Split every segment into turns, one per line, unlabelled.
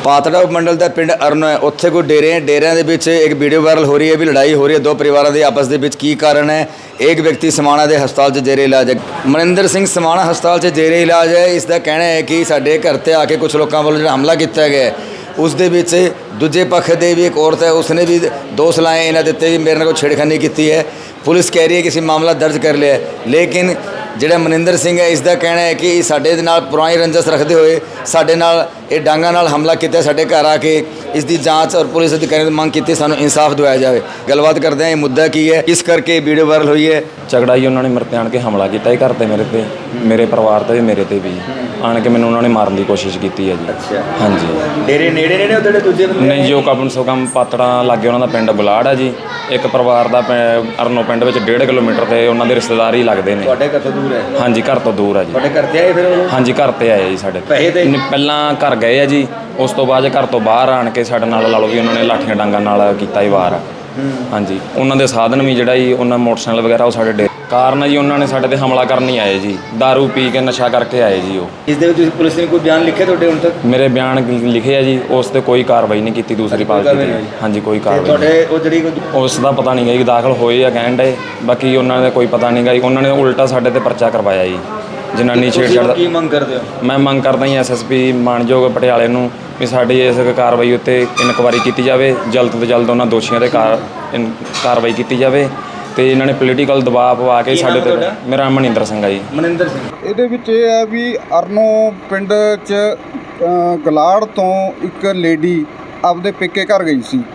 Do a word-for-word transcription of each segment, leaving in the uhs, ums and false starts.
पातड़ा उपमंडल का पिंड अरनो है, उत्थे कोई डेरे हैं, डेरिया के विच एक वीडियो वायरल हो रही है भी लड़ाई हो रही है दो परिवारों की आपस के विच। की कारण है? एक व्यक्ति समाणा के हस्पताल च जेरे इलाज है। मनिंदर सिंह समाणा हस्पताल च जेरे इलाज है। इसका कहना है कि साडे घर ते आके कुछ लोगों वालों जो हमला किया गया है उस दे विच दूजे पक्ष के भी एक औरत है उसने भी दोष लाए इन्हें दिते भी मेरे को छेड़खानी की है। पुलिस कह रही है कि इसी मामला दर्ज कर लिया है, लेकिन ਜਿਹੜਾ ਮਨਿੰਦਰ ਸਿੰਘ है इसका कहना है कि ਸਾਡੇ ਨਾਲ पुरानी रंजस रखते हुए ਸਾਡੇ ਨਾਲ ਇਹ ਡਾਂਗਾ ਨਾਲ हमला किया ਸਾਡੇ घर आके इसकी जांच और पुलिस अधिकारी ने मांग की सानू इंसाफ दिवाया जाए। गलबात करते हैं ये मुद्दा की है, किस करके वीडियो वायरल हुई है।
झगड़ा ही उन्होंने मेरे ते आन के हमला किया घर ते मेरे ते मेरे परिवार ते मेरे ते भी आन के मैंने उन्होंने मारन की कोशिश की है जी।
अच्छा
हाँ जी
डेरे नेड़े नेड़े उधर दूजे
नहीं जो कम सो कम पातड़ा लागे उन्होंने पिंड गुलाड़ है जी। एक परिवार का अरनो पिंड में डेढ़ किलोमीटर से उन्होंने रिश्तेदार ही लगते हैं।
ਤੁਹਾਡੇ ਘਰ ਤੋਂ ਦੂਰ ਹੈ?
हाँ जी घर तो दूर है जी।
ਤੁਹਾਡੇ ਘਰ ਤੇ ਆਏ ਫਿਰ ਉਹ?
हाँ जी घर ਤੇ ਆਏ ਜੀ ਸਾਡੇ
ਪੈਸੇ ਤੇ
ਪਹਿਲਾਂ ਘਰ ਗਏ ਆ ਜੀ, ਉਸ ਤੋਂ ਬਾਅਦ ਘਰ ਤੋਂ ਬਾਹਰ ਆਣ ਕੇ ਸਾਡੇ ਨਾਲ ਲਾ ਲਓ ਵੀ ਉਹਨਾਂ ਨੇ ਲਾਠੀਆਂ ਡਾਂਗਾਂ ਨਾਲ ਕੀਤਾ ਹੀ ਵਾਰ। ਹਾਂਜੀ ਉਹਨਾਂ ਦੇ ਸਾਧਨ ਵੀ ਜਿਹੜਾ ਜੀ ਉਹਨਾਂ ਮੋਟਰਸਾਈਕਲ ਵਗੈਰਾ ਉਹ ਸਾਡੇ ਡੇ ਕਾਰਨ ਜੀ ਉਹਨਾਂ ਨੇ ਸਾਡੇ ਤੇ ਹਮਲਾ ਕਰਨ ਹੀ ਆਏ ਜੀ। दारू ਪੀ ਕੇ ਨਸ਼ਾ ਕਰਕੇ ਆਏ ਜੀ ਉਹ।
ਇਸ ਦੇ ਵਿੱਚ ਪੁਲਿਸ ਨੇ ਕੋਈ ਬਿਆਨ ਲਿਖਿਆ ਤੁਹਾਡੇ ਹੁਣ ਤੱਕ?
ਮੇਰੇ ਬਿਆਨ ਲਿਖੇ ਆ ਜੀ, ਉਸ ਤੇ ਕੋਈ ਕਾਰਵਾਈ ਨਹੀਂ ਕੀਤੀ ਦੂਸਰੀ ਪਾਰਟੀ ਨੇ। ਹਾਂਜੀ ਕੋਈ ਕਾਰਵਾਈ
ਤੁਹਾਡੇ ਉਹ ਜਿਹੜੀ
ਉਸ ਦਾ ਪਤਾ ਨਹੀਂ ਗਾ ਜੀ ਦਾਖਲ ਹੋਏ ਆ ਕਹਿਣ ਡੇ, ਬਾਕੀ ਉਹਨਾਂ ਦਾ ਕੋਈ ਪਤਾ ਨਹੀਂ ਗਾ ਜੀ। ਉਹਨਾਂ ਨੇ ਉਲਟਾ ਸਾਡੇ ਤੇ ਪਰਚਾ ਕਰਵਾਇਆ ਜੀ ਜਨਾਨੀ ਛੇੜਛਾੜ ਦਾ।
ਕੀ ਮੰਗ ਕਰਦੇ ਹੋ?
ਮੈਂ ਮੰਗ ਕਰਦਾ ਜੀ ਐਸਐਸਪੀ ਮਾਨਯੋਗ ਪਟਿਆਲੇ ਨੂੰ ਵੀ ਸਾਡੀ ਇਸ ਕਾਰਵਾਈ ਉੱਤੇ ਇਨਕੁਆਇਰੀ ਕੀਤੀ ਜਾਵੇ, ਜਲਦ ਤੋਂ ਜਲਦ ਉਹਨਾਂ ਦੋਸ਼ੀਆਂ ਤੇ ਕਾਰ ਕਾਰਵਾਈ ਕੀਤੀ ਜਾਵੇ ਤੇ ਇਹਨਾਂ ਨੇ ਪੋਲੀਟੀਕਲ ਦਬਾਅ ਪਵਾ ਕੇ ਸਾਡੇ ਤੇ। ਮੇਰਾ ਮਨਿੰਦਰ ਸਿੰਘ ਆ ਜੀ।
ਮਨਿੰਦਰ ਸਿੰਘ
ਇਹਦੇ ਵਿੱਚ ਇਹ ਹੈ ਵੀ ਅਰਨੋ ਪਿੰਡ 'ਚ ਗਲਾੜ ਤੋਂ ਇੱਕ ਲੇਡੀ ਆਪਦੇ ਪੇਕੇ ਘਰ ਗਈ ਸੀ,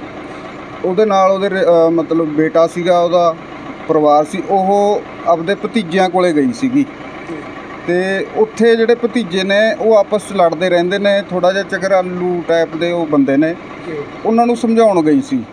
ਉਹਦੇ ਨਾਲ ਉਹਦੇ ਮਤਲਬ ਬੇਟਾ ਸੀਗਾ, ਉਹਦਾ ਪਰਿਵਾਰ ਸੀ। ਉਹ ਆਪਦੇ ਭਤੀਜਿਆਂ ਕੋਲੇ ਗਈ ਸੀਗੀ ਤੇ ਉੱਥੇ ਜਿਹੜੇ ਭਤੀਜੇ ਨੇ ਉਹ ਆਪਸ 'ਚ ਲੜਦੇ ਰਹਿੰਦੇ ਨੇ, ਥੋੜ੍ਹਾ ਜਿਹਾ ਚਕਰਾਲੂ ਟਾਈਪ ਦੇ ਉਹ ਬੰਦੇ ਨੇ। ਉਹਨਾਂ ਨੂੰ ਸਮਝਾਉਣ ਗਈ ਸੀ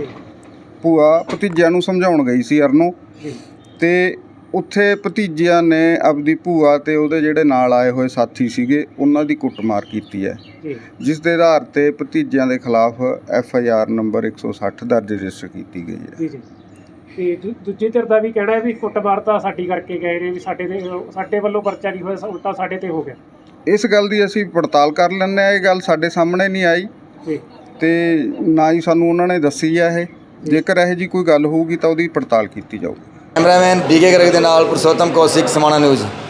ਭੂਆ, ਭਤੀਜਿਆਂ ਨੂੰ ਸਮਝਾਉਣ ਗਈ ਸੀ ਅਰਨੋ, ਤੇ ਉੱਥੇ ਭਤੀਜਿਆਂ ਨੇ ਆਪਦੀ ਭੂਆ ਤੇ ਉਹਦੇ ਜਿਹੜੇ ਨਾਲ ਆਏ ਹੋਏ ਸਾਥੀ ਸੀਗੇ ਉਹਨਾਂ ਦੀ ਕੁੱਟਮਾਰ ਕੀਤੀ ਹੈ, ਜਿਸ ਦੇ ਆਧਾਰ ਤੇ ਭਤੀਜਿਆਂ ਦੇ ਖਿਲਾਫ ਐਫ ਆਈ ਆਰ ਨੰਬਰ ਇੱਕ ਸੌ ਸੱਠ ਦਰਜ ਰਜਿਸਟਰ ਕੀਤੀ ਗਈ ਹੈ।
ਤੇ ਦੂਜੇ ਧਿਰ ਦਾ ਵੀ ਕਹਿਣਾ ਹੈ ਵੀ ਕੁੱਟਮਾਰ ਤਾਂ ਸਾਡੀ ਕਰਕੇ ਗਏ ਨੇ, ਵੀ ਸਾਡੇ ਤੇ ਸਾਡੇ ਵੱਲੋਂ ਪਰਚਾ ਨਹੀਂ ਹੋਇਆ, ਉਲਟਾ ਸਾਡੇ ਤੇ ਹੋ ਗਿਆ।
ਇਸ ਗੱਲ ਦੀ ਅਸੀਂ ਪੜਤਾਲ ਕਰ ਲੈਂਦੇ ਹਾਂ। ਇਹ ਗੱਲ ਸਾਡੇ ਸਾਹਮਣੇ ਨਹੀਂ ਆਈ ਤੇ ਨਾ ਹੀ ਸਾਨੂੰ ਉਹਨਾਂ ਨੇ ਦੱਸੀ ਹੈ ਇਹ। ਜੇਕਰ ਇਹੋ ਜਿਹੀ ਕੋਈ ਗੱਲ ਹੋਊਗੀ ਤਾਂ ਉਹਦੀ ਪੜਤਾਲ ਕੀਤੀ ਜਾਊਗੀ।
ਕੈਮਰਾਮੈਨ ਬੀਕੇ ਗਰਗ ਦੇ ਨਾਲ ਪੁਰਸ਼ੋਤਮ ਕੌਸ਼ਿਕ, ਸਮਾਣਾ ਨਿਊਜ਼।